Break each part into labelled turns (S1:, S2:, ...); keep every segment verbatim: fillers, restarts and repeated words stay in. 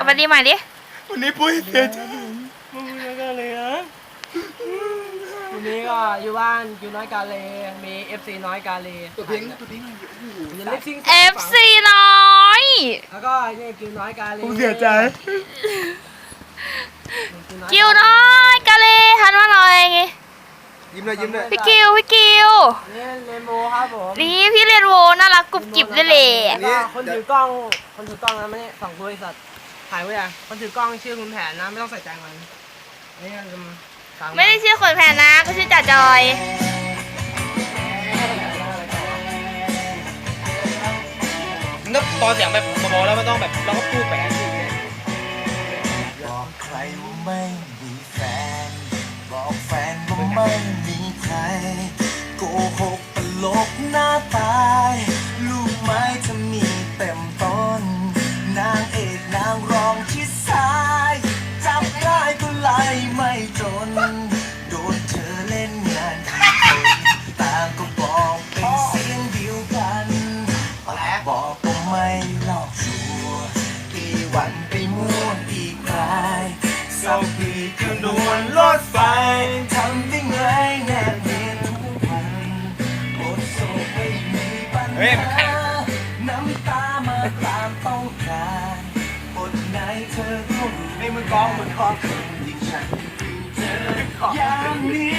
S1: วัสดีใหม่ดิ
S2: วันนี้ปุ้ยเสียใจ
S3: มึงน้อยกาเลยนะวันนี้ก็อยู่บ้านอยู่น้อยกาเลยมีเอฟซีน้อยกาเลย
S2: ตัวเพิงตัวเพิงอะไรอยู่
S1: เอฟซีน้อย
S3: แล้วก็นี่กิวน้อยกาเลย
S2: ผมเสียใจ
S1: กิวน้อยกาเลยหันมาหน่อยไง
S2: ยิ้มเลยยิ้มเลย
S1: พี่กิวพี่กิว
S3: นี่เรนโบว์ครับผม
S1: นี่พี่เรนโบว์น่ารักกุบกิบเลยเลย
S3: คนถือกล้องคนถือกล้องนะไม่สองบริษัทถ่ายไว้อะคนถือกล้องชื่อคุณแผนนะไม่ต้องใส่ใจมันนี่มัน
S1: ไม่ได้ชื่อคนแผนนะก็ชื่อจ่าจอย
S3: นึกตอนเสียงแบบเบาๆแล้วมันต้องแบบเราก็พูดแปลกอยู่เนี่ย
S4: บอกใครว่าไม่มีแฟนบอกแฟนว่าไม่มีใครโกหกตลกหน้าตายลูกไม้จะมีเต็มต้นนางเอกนางรองชิดซ้ายจับได้ก็ไล่ไม่จนโดนเธอเล่นงานที่คนต่างก็บอกเป็นเสียงเดียวกันบอกว่าไม่หลอกชัวร์กี่วันไปมั่วอีกรายสักทีคืนดวนรถไฟทำได้ไงแนบเนียนทุกวันบทโศกไม่มีปัญหาน้ำตามาตามต้องการบทไหนเธอก็รู้ให้มันกองมันกองยิ่งฉันเจออย่างนี้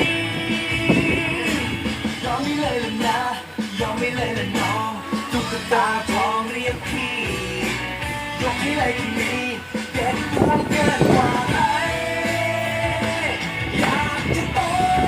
S4: ยอมไม่เลยละนะยอมไม่เลยละน้องตุ๊กตาทองเรียกพี่ยกให้เลยคนนี้เด็ดดวงเกินกว่าใครอยากจะโต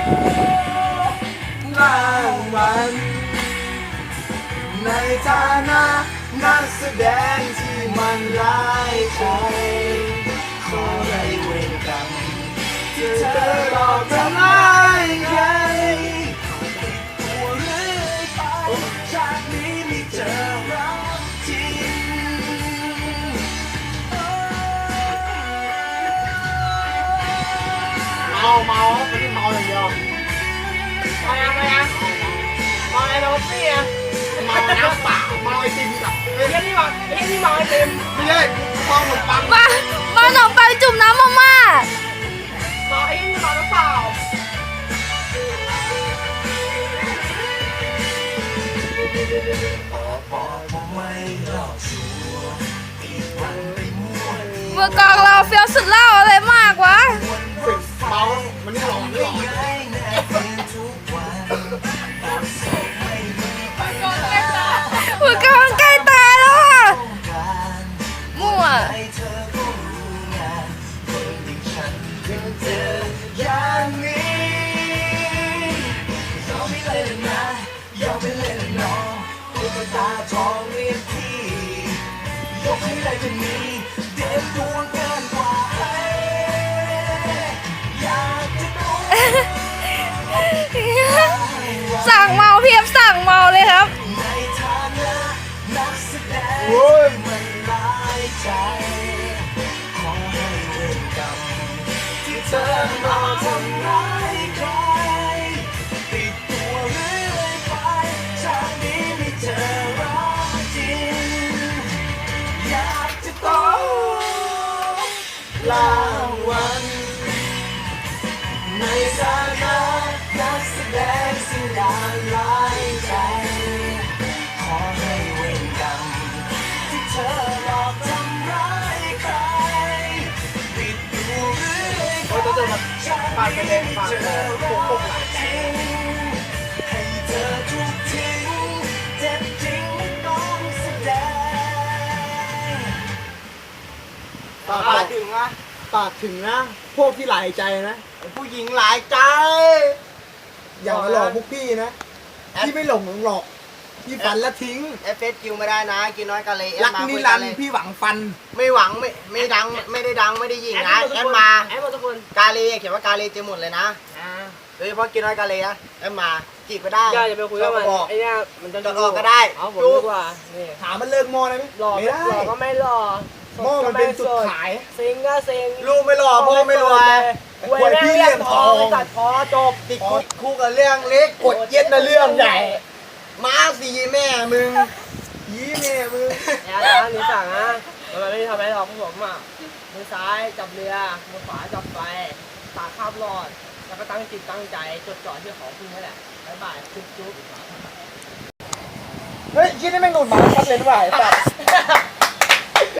S4: รางวัลในฐานะนักแสดงที่มันร้ายใจขอให้เวรกรรมที่เธอหลอกทำร้ายใครตัวเรื่อยไปชาตินี้ไม่เจอรักจริง
S3: เมาเมาไม่ได้เมาอย่างเดียวเมายังไงยังเมาไอ้โรซี่อะ
S2: เมาน้ำเปล่าเมาไอติมกับ
S3: เฮ้ยนี่มาเฮ้ยนี่มาไอติม
S2: ไม่ใช่เมาขนมปัง
S1: มามาขนมปังจุ่มน้ำมาม่า
S3: มาไอ้นี่มาหรือเปล่า
S1: เมื่อกองเราเฟี้ยวสุดเล่าอะไรมากวะ
S2: เมามันนี่หลอนหลอน
S1: เมื่อกองใกล้ตายแล้วอ่ะมั่ว
S4: อย่างนี้ยอมไม่เลยนะยอมไม่เลยน้องตุ๊กตาทองเรียกพี่ยกให้เลยคนนี้เด็ดดวงเกินกว่าใครอยากจะโดน
S1: สั่งเมาเพียบสั่งเมาเลยครับ
S4: ในฐานะนักแสดงมันร้ายใจขอให้เวรกรรมที่เธอมาทำร้ายใครติดตัวเรื่อยไปชาตินี้ไม่เจอรักจริงอยากจะโตรางวัลในฐานะนักแสดงสิ่งดานร้ายใจขอให้เวรกรรมที่เธอหลอกทำร้ายใครติดตัวเรื่อยไปชาตินี้ไม่เจอรักจริงให้เธอถูกทิ้งเจ็บจริงไม่ต้องแสดง
S2: ปากถึงนะปากถึงนะพวกที่หลายใจนะผู้หญิงหลายใจอย่ามาหลอกพวกพี่นะพี่ไม่หลงหลอกพี่ฝันแล้วทิ้ง
S5: เอฟเอสคิวไม่ได้นะกินน้อยกันเลย
S2: รักนิรันดร์พี่หวังฟัน
S5: ไม่หวังไม่ไม่ดังไม่ได้ดังไม่ได้ยิงนะแอดมา
S3: แอดมาทุกคน
S5: กาลีเขียนว่ากาลีเจอหมดเลยนะโดยเฉพาะกินน้อยกาลีนะแอดมาจีบก็ได้
S3: อย่าไปคุยกับมันไอ้เนี่ยมันจะ
S5: ออกก็ได้
S3: เอาผมดีกว่านี่
S2: ถามมันเลิกมอได้ไหม
S3: หล่อไม่หล่อก็ไม่หล่อ
S2: มอมันเป็นจุดขาย
S3: เซ็งก็เซ็ง
S5: ลูกไม่หล่อพ่อไม่รวย
S3: หวยพี่เลี้ยงทองตัดคอจบ
S5: ติดคุกกับเรื่องเล็ก
S2: กดเย็ดนะเรื่องใหญ่
S5: มาสีแม่มึงยี่แม่มึง
S3: อย่านะนี่สั่งนะมันไม่ได้ทำอะไรหรอกพวกผมอ่ะมือซ้ายจับเรือมือขวาจับไฟตาข้ามรอดแล้วก็ตั้งจิตตั้งใจจดจ่อที่ของคุณนี่แหละบ๊ายบายจุ๊บจุ๊บ
S2: เฮ้ยยี่นี่แม่งหนุนมาชัดเลยด้วยไอ้สัส